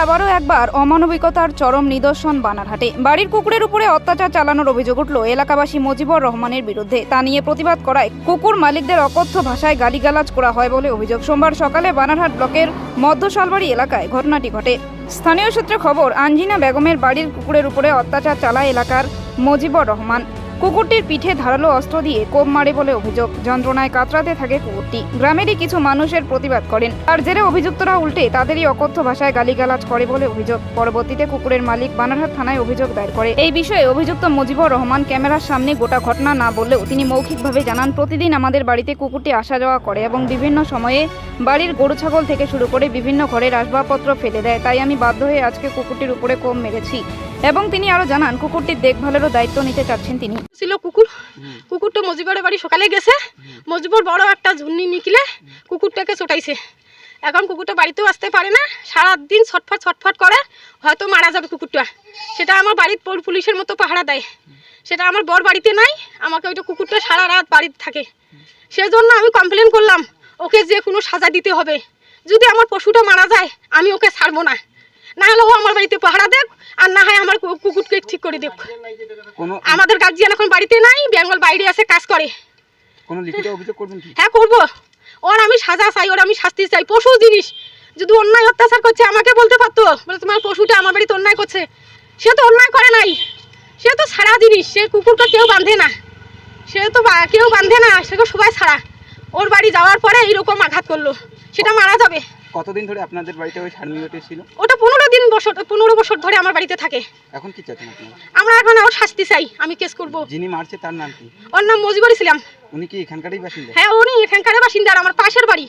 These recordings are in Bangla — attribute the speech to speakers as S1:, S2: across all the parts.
S1: আবারও একবার অমানবিকতার চরম নিদর্শন বানারহাটে। বাড়ির কুকুরের উপরে অত্যাচার চালানোর অভিযোগ উঠল এলাকাবাসী মজিবুর রহমানের বিরুদ্ধে। তা নিয়ে প্রতিবাদ করায় কুকুর মালিকদের অকথ্য ভাষায় গালিগালাজ করা হয় বলে অভিযোগ। সোমবার সকালে বানারহাট ব্লকের মধ্যশালবাড়ি এলাকায় ঘটনাটি ঘটে। স্থানীয় সূত্রে খবর, আঞ্জিনা বেগমের বাড়ির কুকুরের উপরে অত্যাচার চালায় এলাকার মজিবুর রহমান। কুকুরটির পিঠে ধারালো অস্ত্র দিয়ে কোপ মারে বলে অভিযোগ। যন্ত্রণায় কাতরাতে থাকে কুকুরটি। গ্রামেরই কিছু মানুষের প্রতিবাদ করেন। আর জেরে অভিযুক্তরা উল্টে তাদেরই অকথ্য ভাষায় গালিগালাজ করে বলে অভিযোগ। পরবর্তীতে কুকুরের মালিক বানারহাট থানায় অভিযোগ দায়ের করে। এই বিষয়ে অভিযুক্ত মজিবুর রহমান ক্যামেরার সামনে গোটা ঘটনা না বললেও তিনি মৌখিকভাবে জানান, প্রতিদিন আমাদের বাড়িতে কুকুরটি আসা যাওয়া করে এবং বিভিন্ন সময়ে বাড়ির গরু ছাগল থেকে শুরু করে বিভিন্ন ঘরের আসবাবপত্র ফেলে দেয়। তাই আমি বাধ্য হয়ে আজকে কুকুরটির উপরে কোপ মেরেছি। এবং তিনি আরো জানান, কুকুরটির দেখভালেরও দায়িত্ব নিতে চাচ্ছেন তিনি।
S2: ছিল কুকুরটা মজিবরের বাড়ি সকালে গেছে। মজিবর বড় একটা ঝুন্নি নিকলে কুকুরটাকে চটাইছে। এখন কুকুরটা বাড়িতেও আসতে পারে না, সারাদিন ছটফট করে, হয়তো মারা যাবে কুকুরটা। সেটা আমার বাড়ির পুলিশের মতো পাহারা দেয়। সেটা আমার বর বাড়িতে নাই, আমাকে ওইটা কুকুরটা সারা রাত বাড়িতে থাকে। সেজন্য আমি কমপ্লেন করলাম, ওকে যে কোনো সাজা দিতে হবে। যদি আমার পশুটা মারা যায় আমি ওকে ছাড়বো না, না হলে ও আমার বাড়িতে পাহারা দেখ, আর না হয় আমার কুকুরকে ঠিক করে দেখ। আমাদের গার্জিয়ান এখন বাড়িতে নাই, বেঙ্গল বাইরে আছে, কাজ করে।
S3: কোনো লিখিত অভিযোগ করবেন কি?
S2: হ্যাঁ করবো। ওর আমি সাজা চাই, ওর আমি শাস্তি চাই। পশু জিনিস যদি অন্যায় অত্যাচার করছে আমাকে বলতে পারতো, বলে তোমার পশুটা আমার বাড়িতে অন্যায় করছে। সে তো অন্যায় করে নাই, সে তো ছাড়া জিনিস। সে কুকুরকে কেউ বাঁধে না, সে তো কেউ বাঁধে না, সেকে সবাই ছাড়া। ওর বাড়ি যাওয়ার পরে এইরকম আঘাত করলো, সেটা মারা যাবে।
S3: কতদিন ধরে আপনাদের বাড়িতে ওই শারমিয়টি ছিল?
S2: ওটা 15 বছর ধরে আমার বাড়িতে থাকে।
S3: এখন কি চাচ্ছেন আপনারা? আমরা
S2: এখন ওর শাস্তি চাই, আমি কেস করব।
S3: যিনি মারছে তার নাম কি?
S2: ওর নাম মজিবর ইসলাম।
S3: উনি কি এখানকারই বাসিন্দা?
S2: হ্যাঁ, উনি এখানকার বাসিন্দা, আমার পাশের বাড়ি।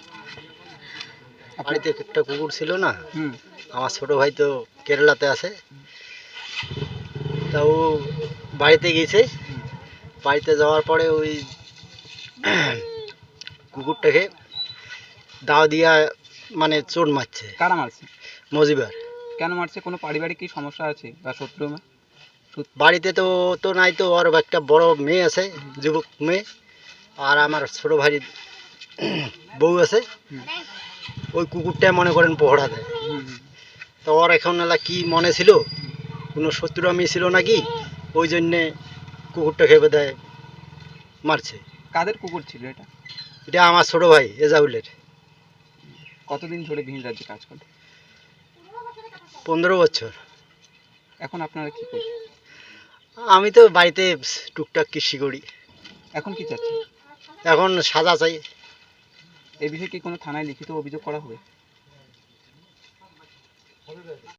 S4: বাড়িতে একটা কুকুর ছিল না, আমার ছোট ভাই তো কেরালাতে আছে, তা ও বাড়িতে গেছে। বাড়িতে যাওয়ার পরে ওই কুকুরটাকে দাও দিয়া মানে চোট মারছে।
S3: কারা মারছে?
S4: মজিবার।
S3: কেন মারছে? কোনো পারিবারিক কি সমস্যা আছে বা শত্রু?
S4: বাড়িতে তো তো নাই, তো ওর একটা বড় মেয়ে আছে, যুবক মেয়ে, আর আমার ছোট ভাই বউ আছে। ওই কুকুরটা মনে করেন পহড়া দেয়। তো ওর এখন এলা কি মনে ছিল, কোনো শত্রু আমি ছিল নাকি, ওই জন্যে কুকুরটা খেপে দেয় মারছে।
S3: কাদের কুকুর ছিল এটা?
S4: এটা আমার ছোট ভাই এজাউলের।
S3: কতদিন ধরে ভিন রাজ্যে কাজ করে?
S4: 15 বছর।
S3: এখন আপনারা কি করছেন?
S4: আমি তো বাড়িতে টুকটাক কৃষি করি।
S3: এখন কি চাচ্ছেন?
S4: এখন সাজা চাই।
S3: এই বিষয়ে কি কোনো থানায় লিখিত অভিযোগ করা হবে?